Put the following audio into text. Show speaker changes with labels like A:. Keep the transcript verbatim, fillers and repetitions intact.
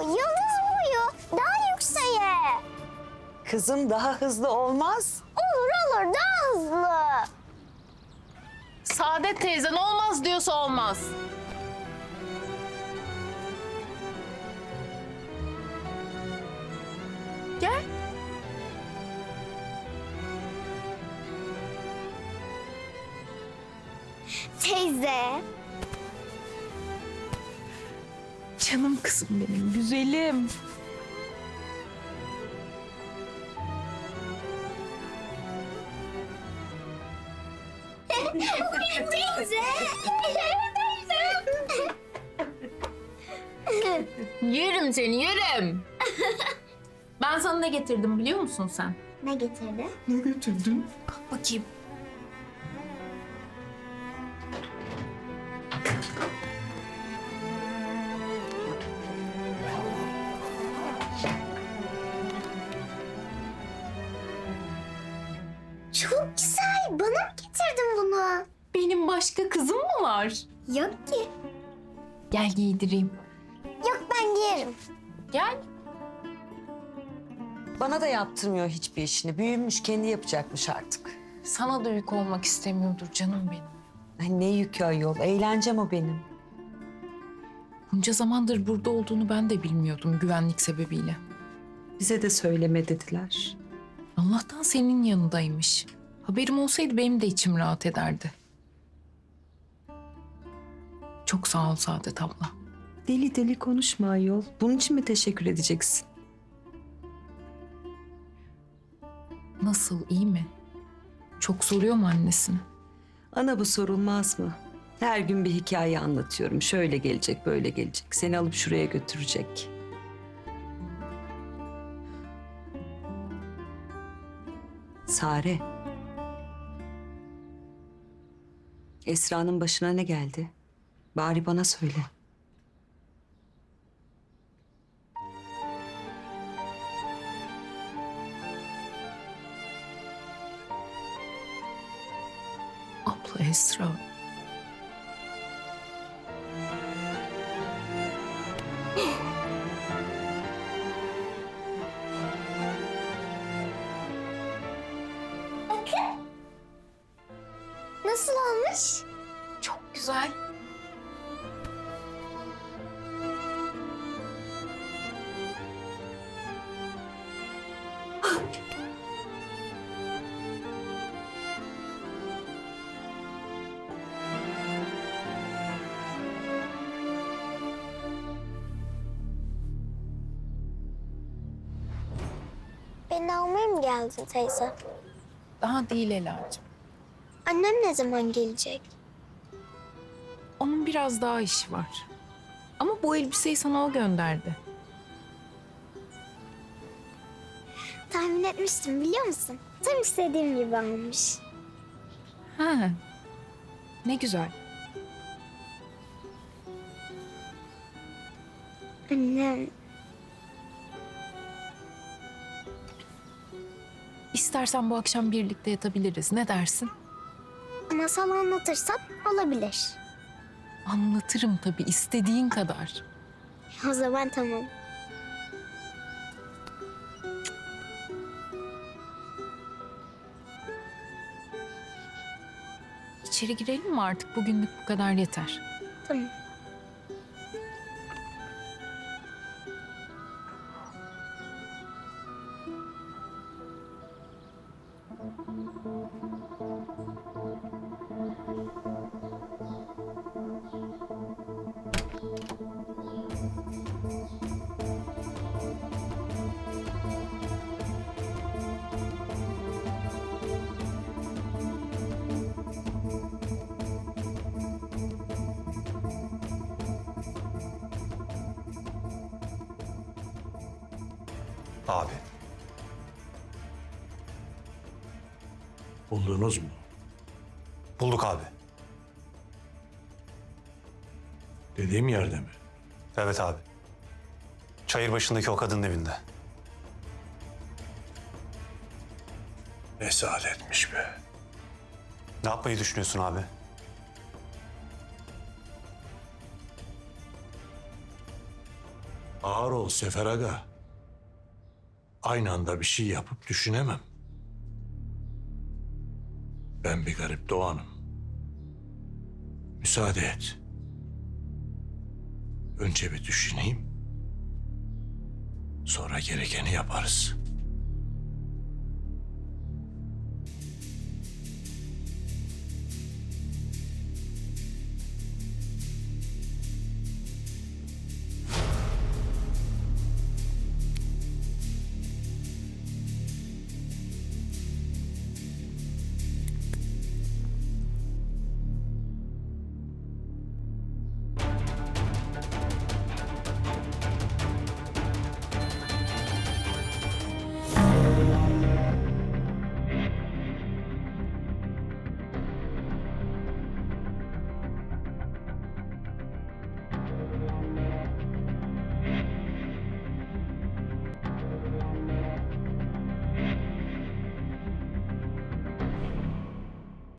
A: yıldız boyu. Daha yükseğe.
B: Kızım daha hızlı olmaz.
A: Olur olur daha hızlı.
C: Saadet teyzen olmaz diyorsa olmaz. Gel.
A: Teyze.
C: Canım kızım benim, güzelim.
A: Teyze.
C: Yerim seni, yerim. Ben sana ne getirdim biliyor musun sen?
A: Ne getirdi?
C: Ne getirdin? Bakayım.
A: Çok güzel. Bana mı getirdin bunu?
C: Benim başka kızım mı var?
A: Yok ki.
C: Gel giydireyim.
A: Yok ben giyerim.
C: Gel.
B: Bana da yaptırmıyor hiçbir işini. Büyümüş, kendi yapacakmış artık.
C: Sana da yük olmak istemiyordur canım benim.
B: Ay ne yükü ayol. Eğlencem o benim.
C: Bunca zamandır burada olduğunu ben de bilmiyordum güvenlik sebebiyle.
B: Bize de söyleme dediler.
C: Allah'tan senin yanındaymış. Haberim olsaydı benim de içim rahat ederdi. Çok sağ ol Saadet abla.
B: Deli deli konuşma ayol. Bunun için mi teşekkür edeceksin?
C: Nasıl, iyi mi? Çok soruyor mu annesini?
B: Ana bu sorulmaz mı? Her gün bir hikaye anlatıyorum. Şöyle gelecek, böyle gelecek. Seni alıp şuraya götürecek. Sare. Esra'nın başına ne geldi? Bari bana söyle.
C: Abla Esra.
A: Nasıl olmuş?
C: Çok güzel.
A: Beni almaya mı geldin teyze?
C: Daha değil Ela'cığım.
A: Annem ne zaman gelecek?
C: Onun biraz daha işi var. Ama bu elbiseyi sana o gönderdi.
A: Tahmin etmiştim biliyor musun? Tam istediğim gibi almış.
C: Ha. Ne güzel.
A: Annem
C: İstersen bu akşam birlikte yatabiliriz. Ne dersin?
A: masal anlatırsan olabilir.
C: Anlatırım tabii, istediğin kadar.
A: O zaman tamam.
C: İçeri girelim mi artık? Bugünlük bu kadar yeter.
A: Tamam.
D: Abi.
E: Buldunuz mu?
D: Bulduk abi.
E: Dediğim yerde mi?
D: Evet abi. Çayır başındaki o kadının evinde.
E: Ne saadetmiş be.
D: Ne yapmayı düşünüyorsun abi?
E: Ağır ol Sefer Aga. Aynı anda bir şey yapıp düşünemem. Ben bir garip doğanım. Müsaade et. Önce bir düşüneyim. Sonra gerekeni yaparız.